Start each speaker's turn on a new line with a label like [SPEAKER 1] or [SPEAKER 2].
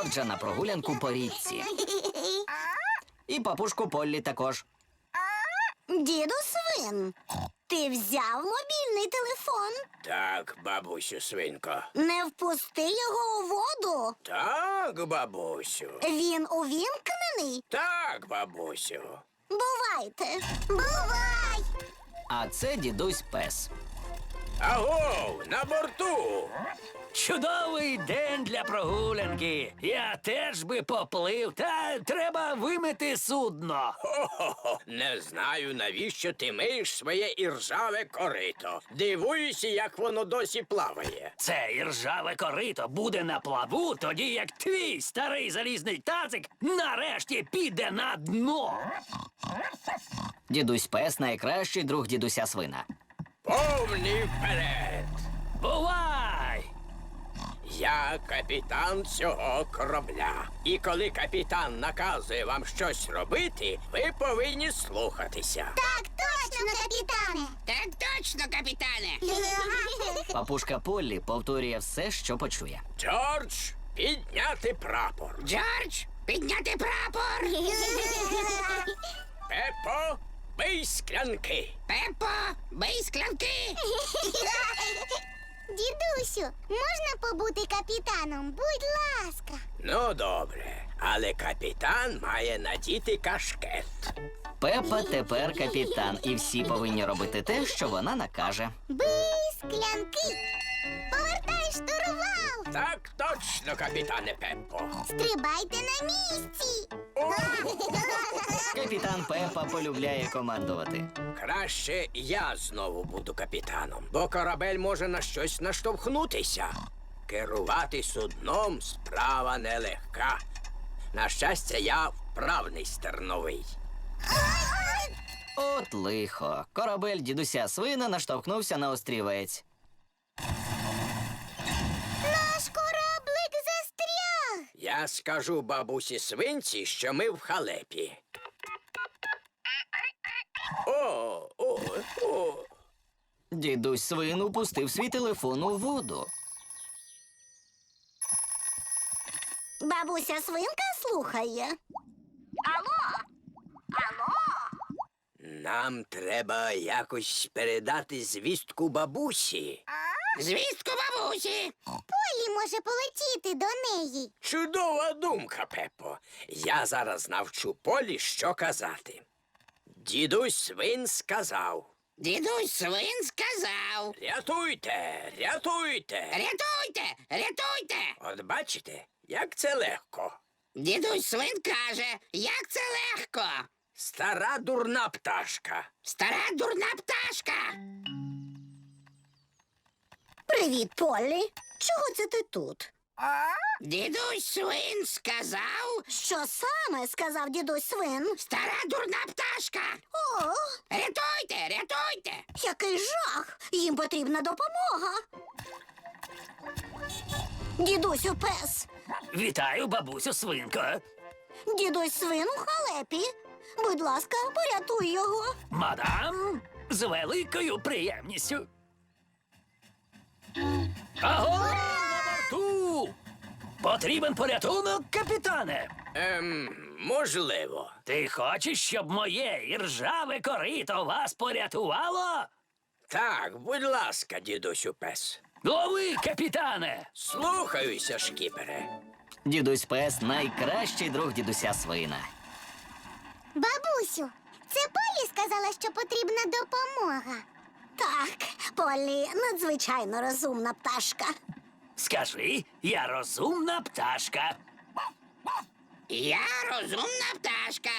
[SPEAKER 1] Джорджа на прогулянку по річці. І папушку Поллі також.
[SPEAKER 2] Діду Свин, ти взяв мобільний телефон?
[SPEAKER 3] Так, бабусю свинко.
[SPEAKER 2] Не впусти його у воду.
[SPEAKER 3] Так, бабусю.
[SPEAKER 2] Він увімкнений?
[SPEAKER 3] Так, бабусю.
[SPEAKER 2] Бувайте. Бувай!
[SPEAKER 1] А це дідусь Пес.
[SPEAKER 3] Агов, на борту.
[SPEAKER 4] Чудовий день для прогулянки. Я теж би поплив, та треба вимити судно.
[SPEAKER 3] Хо-хо-хо. Не знаю, навіщо ти миєш своє іржаве корито. Дивуюся, як воно досі плаває.
[SPEAKER 4] Це іржаве корито буде на плаву, тоді як твій старий залізний тазик нарешті піде на дно.
[SPEAKER 1] Дідусь Пес найкращий друг дідуся Свина.
[SPEAKER 3] Повний вперед.
[SPEAKER 4] Бувай!
[SPEAKER 3] Я капітан цього корабля. І коли капітан наказує вам щось робити, ви повинні слухатися.
[SPEAKER 2] Так точно, капітане!
[SPEAKER 5] Так точно, капітане.
[SPEAKER 1] Папушка Поллі повторює все, що почує.
[SPEAKER 3] Джордж, підняти прапор.
[SPEAKER 5] Джордж, підняти прапор.
[SPEAKER 3] Пепо, бий склянки.
[SPEAKER 5] Пепо, бий склянки.
[SPEAKER 2] Дідусю, можна побути капітаном? Будь ласка.
[SPEAKER 3] Ну, добре, але капітан має надіти кашкет.
[SPEAKER 1] Пепа тепер капітан, і всі повинні робити те, що вона накаже.
[SPEAKER 2] Бий склянки. Повертай штурвал.
[SPEAKER 3] Так точно, капітане Пеппо.
[SPEAKER 2] Стрибайте на місці.
[SPEAKER 1] Капітан Пепа полюбляє командувати.
[SPEAKER 3] Краще я знову буду капітаном, бо корабель може на щось наштовхнутися. Керувати судном справа нелегка. На щастя, я вправний стерновий.
[SPEAKER 1] От лихо. Корабель дідуся Свина наштовхнувся на острівець.
[SPEAKER 2] Наш кораблик застряг.
[SPEAKER 3] Я скажу бабусі свинці, що ми в халепі. О.
[SPEAKER 1] Дідусь Свин упустив свій телефон у воду.
[SPEAKER 2] Бабуся Свинка слухає.
[SPEAKER 3] Нам треба якось передати звістку бабусі.
[SPEAKER 5] Звістку бабусі.
[SPEAKER 2] Полі може полетіти до неї.
[SPEAKER 3] Чудова думка, Пепо. Я зараз навчу Полі, що казати. Дідусь Свин сказав:
[SPEAKER 5] Дідусь Свин сказав.
[SPEAKER 3] рятуйте, рятуйте.
[SPEAKER 5] Рятуйте, рятуйте.
[SPEAKER 3] От бачите, як це легко.
[SPEAKER 5] Дідусь Свин каже, як це легко.
[SPEAKER 3] Стара дурна пташка.
[SPEAKER 5] Стара дурна пташка.
[SPEAKER 2] Привіт, Полі. Чого це ти тут?
[SPEAKER 5] Дідусь Свин сказав,
[SPEAKER 2] Що саме сказав дідусь Свин?
[SPEAKER 5] стара дурна пташка.
[SPEAKER 2] О,
[SPEAKER 5] Рятуйте, рятуйте.
[SPEAKER 2] який жах! Їм потрібна допомога. Дідусю Пес.
[SPEAKER 4] Вітаю, бабусю Свинко.
[SPEAKER 2] Дідусь Свин у халепі. Будь ласка, порятуй його.
[SPEAKER 4] Мадам, з великою приємністю. Аго, на борту! Потрібен порятунок, капітане.
[SPEAKER 3] Можливо.
[SPEAKER 4] Ти хочеш, щоб моє іржаве корито вас порятувало?
[SPEAKER 3] Так, будь ласка, дідусю Пес.
[SPEAKER 4] Лови, капітане!
[SPEAKER 3] Слухаюся, шкіпере.
[SPEAKER 1] Дідусь Пес найкращий друг дідуся Свина.
[SPEAKER 2] Бабусю, це Полі сказала, що потрібна допомога. Так, Полі надзвичайно розумна пташка.
[SPEAKER 4] Скажи, я розумна пташка.
[SPEAKER 5] Я розумна пташка.